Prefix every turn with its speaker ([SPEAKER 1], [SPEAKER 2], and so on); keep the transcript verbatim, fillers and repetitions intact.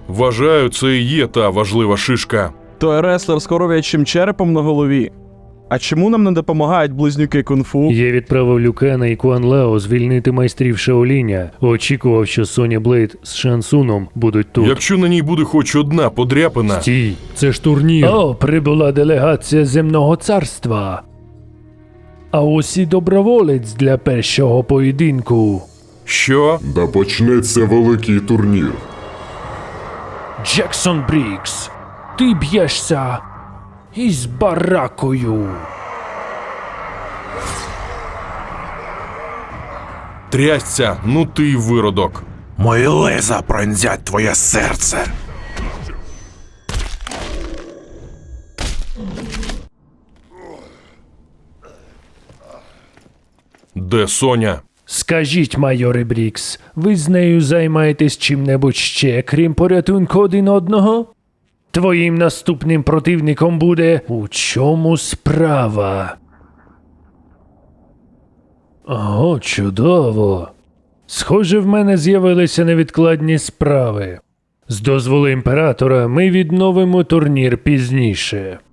[SPEAKER 1] Вважаю, це і є та важлива шишка.
[SPEAKER 2] Той реслер з коров'ячим черепом на голові. А чому нам не допомагають близнюки кунг-фу?
[SPEAKER 3] Я відправив Люкена і Куан Лао звільнити майстрів Шаоліня. Очікував, що Соня Блейд з Шансуном будуть тут.
[SPEAKER 1] Якщо на ній буде хоч одна подряпина...
[SPEAKER 3] Стій, це ж турнір. О, прибула делегація Земного царства. А ось і доброволець для першого поєдинку.
[SPEAKER 1] Що?
[SPEAKER 4] Да почнеться великий турнір.
[SPEAKER 3] Джексон Брікс, ти б'єшся із баракою.
[SPEAKER 1] Трясця, ну ти й виродок.
[SPEAKER 5] Мої леза пронзять твоє серце.
[SPEAKER 1] Де Соня?
[SPEAKER 3] Скажіть, майоре Брікс, ви з нею займаєтесь чим-небудь ще, крім порятунку один одного? Твоїм наступним противником буде «У чому справа?» О, чудово. Схоже, в мене з'явилися невідкладні справи. З дозволу імператора ми відновимо турнір пізніше.